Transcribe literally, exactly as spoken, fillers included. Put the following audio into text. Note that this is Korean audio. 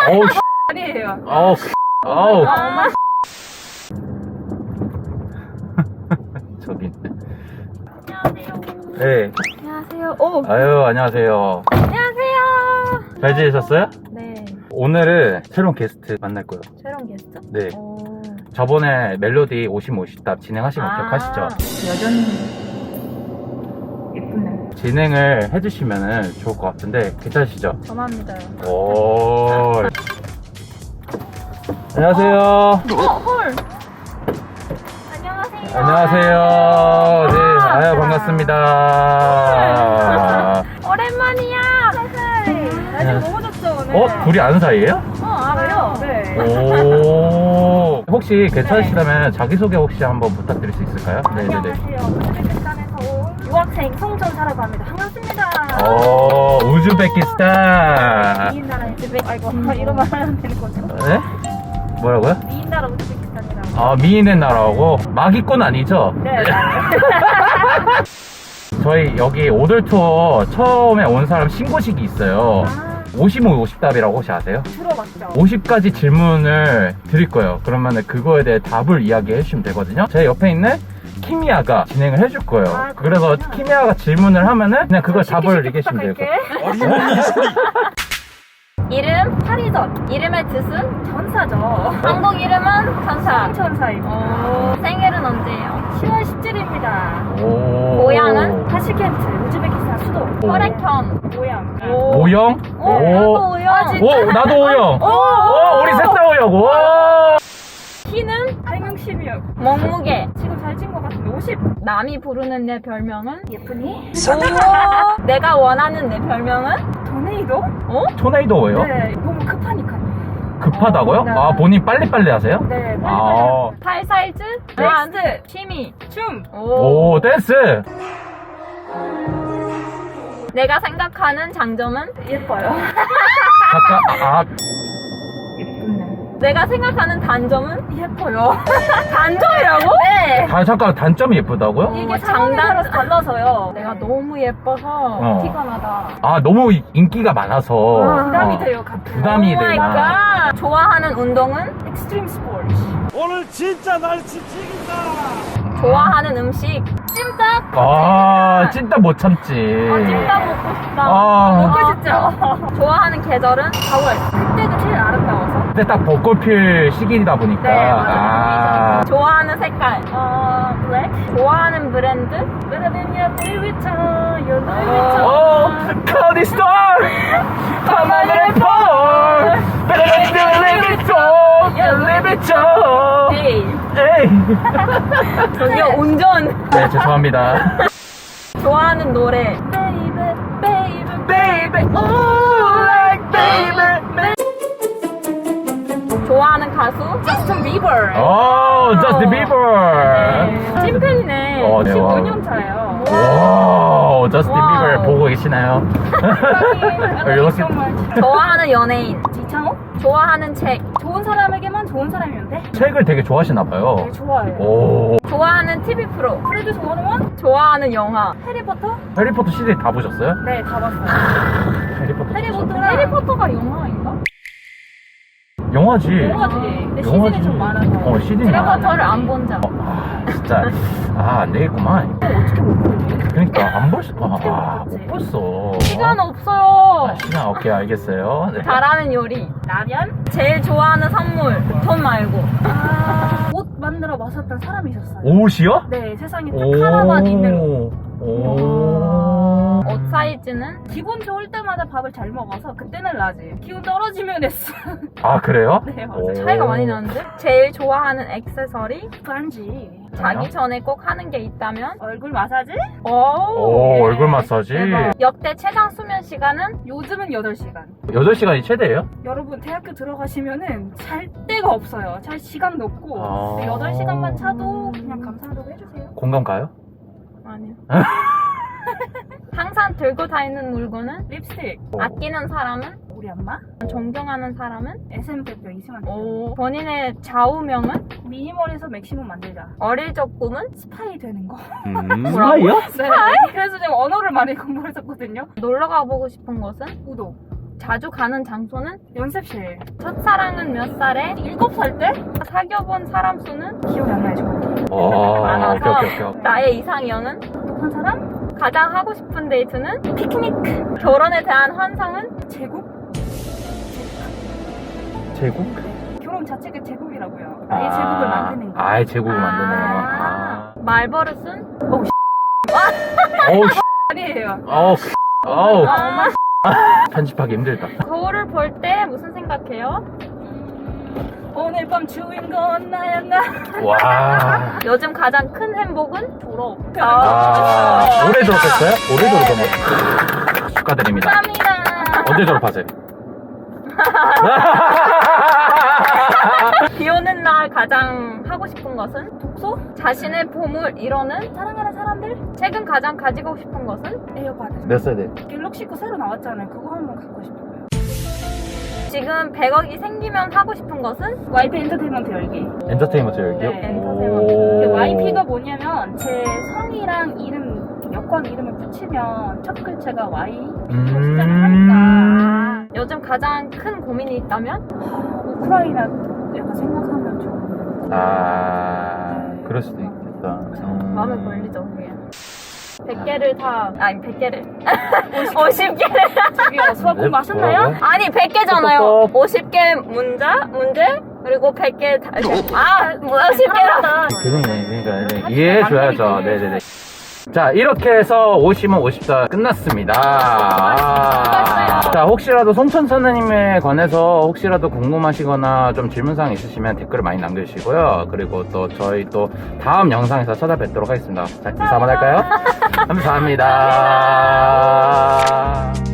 어우, 씨. 아니에요. 어우, 어우. 아, 엄마. 저기 있네. 안녕하세요. 네. 안녕하세요. 오. 아유, 안녕하세요. 안녕하세요. 잘 지내셨어요? 네. 오늘은 새로운 게스트 만날 거예요. 새로운 게스트? 네. 오. 저번에 멜로디 오십 오십답 진행하신 거 기억하시죠? 여전히 예쁘네. 진행을 해주시면 좋을 것 같은데 괜찮으시죠? 저만 믿어요. 오. 안녕하세요. 어, 헐. 안녕하세요. 안녕하세요. 네, 아유, 반갑습니다. 오랜만이야. 날씨 너무 좋죠, 오늘. 어? 둘이 아는 사이예요? 어, 알아요. 네. 오. 혹시 괜찮으시다면 자기소개 혹시 한번 부탁드릴 수 있을까요? 네네네. 안녕하세요. 우즈베키스탄에서 온 유학생 송전사라고 합니다. 반갑습니다. 오, 우즈베키스탄. 미인 나라 우즈베키. 아이고, 이런 말 하면 되는 거죠? 네? 뭐라고요? 미인 나라 우즈베키스탄이라고. 아, 미인의 나라고? 마기꾼 아니죠? 네. 저희 여기 오돌 투어 처음에 온 사람 신고식이 있어요. 아, 오십오 오십답이라고 혹시 아세요? 들어봤죠. 오십 가지 질문을 드릴 거예요. 그러면 그거에 대해 답을 이야기해 주시면 되거든요. 제 옆에 있는 키미야가 진행을 해줄 거예요. 아, 그래서 그렇구나. 키미야가 질문을 하면은 그냥 그걸 쉽게 답을 쉽게 얘기하시면 돼요. 부탁할게. 이름 파리전. 이름의 뜻은 전사죠. 한국 이름은 전사. 천사이고. 생일은 언제예요? 시월 십칠일입니다. 오. 고향은 타시켄트, 우즈베키스탄 수도. 오. 혈액형. 모양. 오영? 오, 나도 오영. 아, 진짜? 오, 나도 오영. 오, 오, 우리 셋 다 오영. 오. 키는 백육십육. 몸무게 지금 잘 찐 것 같은데 오십. 남이 부르는 내 별명은 예쁘니? 오. 내가 원하는 내 별명은 토네이도? 어? 토네이도예요? 네, 너무 급하니까. 급하다고요? 네. 아, 본인 빨리빨리 하세요? 네, 빨리 아. 빨리. 팔 사이즈? 댄스, 취미, 춤. 오, 댄스. 내가 생각하는 장점은 예뻐요. 잠깐, 아, 예쁘네. 내가 생각하는 단점은 예뻐요. 단점이라고? 네. 아, 잠깐, 단점이 예쁘다고요? 이게 장단으로 달라서요. 내가 너무 예뻐서 어. 티가 나다. 아, 너무 인기가 많아서. 부담이 어. 돼요, 가끔. 부담이 오 마이 되나. 갓. 좋아하는 운동은 익스트림 스포츠. 오늘 진짜 날씨 찌긴다. 좋아하는 음식 찜닭. 아, 찐따 못 참지. 아, 찜닭 먹고 싶다. 아. 먹고 싶죠. 좋아하는 계절은 사월. 그때가 제일 아름다워서. 근데 딱 벚꽃 필 시기이다 보니까. 네, 맞아요. 아. 좋아하는 색깔. 어, 블랙. 좋아하는 브랜드. 베르디니아 루이비통. 루이비통. 오, 카디 스타! 파마네 폴! 베레베레베레베토! 베레베토! 에이. 에이! 저기요, 운전. 네, 죄송합니다. 좋아하는 노래. Baby, baby, Baby, oh, like baby. 좋아하는 가수? 저스틴 비버. 오, 저스틴 비버. 네. 찐팬이네. 어, 네, 와. 십오 년 차예요. 오, 저스틴 와우. 비버 보고 계시나요? 이렇게. 좋아하는 연예인. 지창호? 좋아하는 책. 좋은 사람에게만 좋은 사람이면 돼? 책을 되게 좋아하시나봐요. 네, 좋아해요. 오, 좋아하는 티비 프로. 프레드 좋아하는 좋아하는 영화. 해리포터? 해리포터 시리즈 다 보셨어요? 네, 다 봤어요. 해리포터. 해리포터랑 해리포터가 영화인가? 영화지. 영화지. 근데 영화지. 시즌이 좀 많아서. 어, 시즌이 많아. 해리포터를 안 본 적. 어, 아, 진짜. 아, 안 되겠구만. 어떻게 못 보지? 그러니까, 안 볼 수, 아, 어떻게 아, 못 못 봤지? 봤어. 시간 없어요. 아, 시간, 오케이, 알겠어요. 네. 잘하는 요리. 라면? 제일 좋아하는 선물. 돈 말고. 아, 옷 만들어 마셨던 사람이 있었어요. 옷이요? 네, 세상에 딱 하나만 있는 옷. 오. 옷 사이즈는 기분 좋을 때마다 밥을 잘 먹어서 그때는 라지. 기분 떨어지면 S. 아, 그래요? 네, 맞아요. 오. 차이가 많이 나는데? 제일 좋아하는 액세서리? 반지. 자기 뭐요? 전에 꼭 하는 게 있다면? 얼굴 마사지? 오, 오, 예. 얼굴 마사지. 대박. 역대 최장 수면 시간은? 요즘은 여덟 시간. 여덟 시간이 최대예요? 여러분 대학교 들어가시면은 잘 데가 없어요. 잘 시간도 없고. 아. 근데 여덟 시간만 차도 그냥 감사하다고 해주세요. 공감 가요? 아니요. 항상 들고 다니는 물건은? 립스틱. 아끼는 사람은? 우리 엄마. 존경하는 사람은? 에스엠 대표 이승환 대표. 오. 본인의 좌우명은? 미니멀에서 맥시멈 만들자. 어릴 적 꿈은? 스파이 되는 거. 음. 뭐라고요? 네. 그래서 제가 언어를 많이 공부했었거든요. 놀러 가보고 싶은 곳은? 우도. 자주 가는 장소는 연습실. 첫사랑은 몇 살에? 일곱 살 때? 사귀어본 사람 수는? 기억이 안 나요, 정확히. 어, 많아서. 오케이, 오케이, 오케이. 나의 이상형은? 똑똑한 사람? 가장 하고 싶은 데이트는? 피크닉. 결혼에 대한 환상은? 제국? 제국? 결혼 자체가 제국이라고요. 아예 제국을 만드는 거. 아예 제국을 아. 만드는 거. 아. 말버릇은? 어우, 어우, 씨. 아니에요. 어우, 씨. 어우. 아, 엄마. 편집하기 힘들다. 거울을 볼 때 무슨 생각해요? 오늘 밤 주인공은 나였나? 와. 요즘 가장 큰 행복은? 졸업. 아, 올해 졸업했어요? 올해 졸업하면 축하드립니다. 감사합니다. 언제 졸업하세요? 비 오는 날 가장 하고 싶은 것은? 독서? 자신의 봄을 이뤄는? 사랑하는 사람들? 최근 가장 가지고 싶은 것은? 에어팟. 몇 세대? 갤럭시 거 새로 나왔잖아요. 그거 한번 갖고 싶어요. 지금 백억이 생기면 하고 싶은 것은? 와이피 엔터테인먼트 열기. 엔터테인먼트 열기요? 네, 엔터테인먼트. 오. 그 와이피가 뭐냐면 제 성이랑 이름, 여권 이름을 붙이면 첫 글자가 Y 시작을 음. 하니까. 요즘 가장 큰 고민이 있다면? 우크라이나 약간 생각하면 좀 아, 그럴 수도 있겠다. 음. 마음에 걸리죠, 그게. 백 개를 다, 아니, 백 개를. 오십 개를. 저기요, 수학 네, 공부하셨나요? 뭐라고요? 아니, 백 개잖아요. 똑똑똑. 오십 개 문자, 문제, 그리고 백 개 다, 아, 오십 개라. 그러네. 그러니까 네, 이해해줘야죠. 네네네. 자, 이렇게 해서 오시면 오십사 끝났습니다. 아. 자, 혹시라도 송천 선생님에 관해서 혹시라도 궁금하시거나 좀 질문사항 있으시면 댓글을 많이 남겨주시고요. 그리고 또 저희 또 다음 영상에서 찾아뵙도록 하겠습니다. 자, 인사 한번 할까요? 감사합니다.